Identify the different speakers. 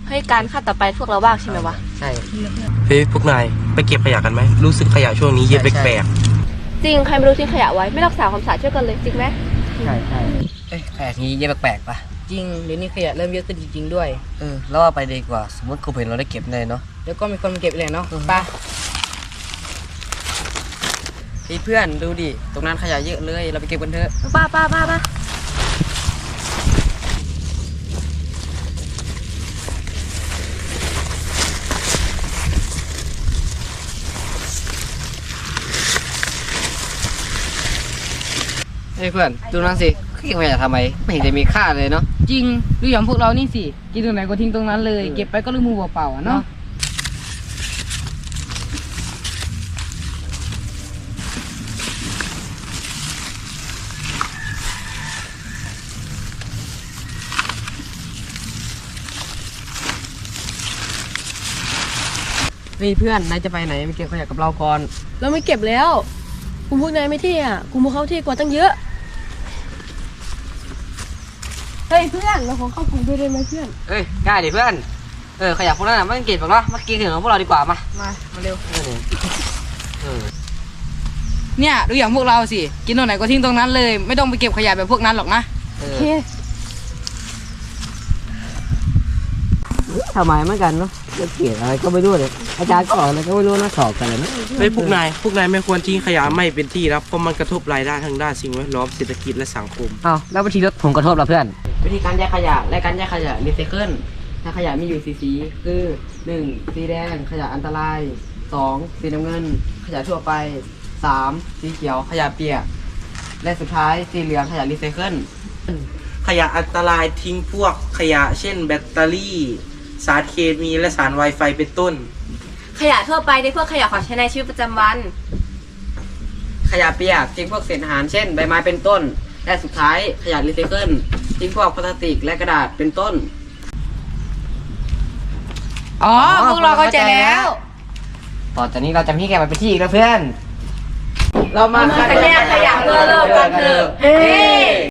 Speaker 1: ให้การขั้นต่อไปพวกเราบ้างใช่ไหมวะ
Speaker 2: ใช่
Speaker 3: เฮ้ยพวกนายไปเก็บขยะกันไหมรู้สึกขยะช่วงนี้เยอะแปลก
Speaker 1: จริงใครไม่รู้ทิ้งขยะไว้ไม่รักษาความสะอาดช่วยกันเลยจริงไหม
Speaker 2: ใช่ขยะนี้เยอะแปลกๆป่ะ
Speaker 4: จริงเดี๋ยวนี้ขยะเริ่มเยอะขึ้นจริงๆด้วย
Speaker 2: แล้วว่าไปดีกว่าสมมติครูเห็นเราได้เก็บเลยเนาะ
Speaker 4: แล้วก็มีคนมาเก็บเลยเนาะไปเพื่อนดูดิตรงนั้นขยะเยอะเลยเราไปเก็บกันเถอะ
Speaker 1: ป้า
Speaker 2: เพื่อนดูนั่นสิเก็บขยะทำไมไม่เห็นจะมีค่าเลยเนาะ
Speaker 4: จริงดูอย่างพวกเรานี่สิกินตรงไหนก็ทิ้งตรงนั้นเลยเก็บไปก็ลืมมือเปล่าๆเนาะเพื่อนนายจะไปไหนไปเก็บขยะกับเราก่อน
Speaker 1: เราไม่เก็บแล้วกลุ่มพวกนายไม่เที่อ่ะกลุ่มพวกเขาเที่กว่าตั้งเยอะเฮ้ยเพื่อนเราขอเข้ากลุ่มด้วยได้ไหมเพื่อน
Speaker 2: ได้ดิเพื่อนขยะพวกนั้นไม่ต้องเก็บหรอกเนาะมากินถึงของพวกเราดีกว่ามา
Speaker 4: มาเร็ว
Speaker 2: เออ
Speaker 4: เนี่ยดูอย่างพวกเราสิกินตรงไหนก็ทิ้งตรงนั้นเลยไม่ต้องไปเก็บขยะแบบพวกนั้นหรอกนะ
Speaker 1: โอเค
Speaker 2: ทำไมเหมือนกันเนาะจะเกลียดอะไรก็ไม่รู้เลยอาจารย์ก็สอนอะไรก็ไม่รู้นะสอบกันเลยนะ
Speaker 3: ๆเฮ้ยพวกนายไม่ควรทิ้งขยะไม่เป็นที่ครับเพราะมันกระทบรายได้ทางด้านสิ่งแวดล้อมเศรษฐกิจและสังคม
Speaker 2: แล้ววิธีลดผลกระทบล่ะเพื่อนวิธีการแยกขยะและการแยกขยะรีไซเคิลถ้าขยะมีอยู่สีคือ 1. สีแดงขยะอันตราย 2. สีน้ำเงิน ขยะทั่วไป 3. สีเขียวขยะเปียกและสุดท้ายสีเหลืองขยะรีไซเคิล
Speaker 3: ขยะอันตรายทิ้งพวกขยะเช่นแบตเตอรี่สารเคมีและสารไวไฟเป็นต้น
Speaker 1: ขยะทั่วไปในพวกขยะของใช้ในชีวิตประจำวัน
Speaker 2: ขยะเปียกทิ้งพวกเศษอาหารเช่นใบไม้เป็นต้น และสุดท้ายขยะรีไซเคิลทิ้งพวกพลาสติกและกระดาษเป็นต้น
Speaker 4: อ๋อพวกเราเข้าใจแล้ว
Speaker 2: ต่อจากนี้เราจะไม่ให้แกมาเป็นที่อีกแล้วเพื่อน
Speaker 4: เรามา
Speaker 1: แยกขยะเพื่อโลกกันเถอะเฮ้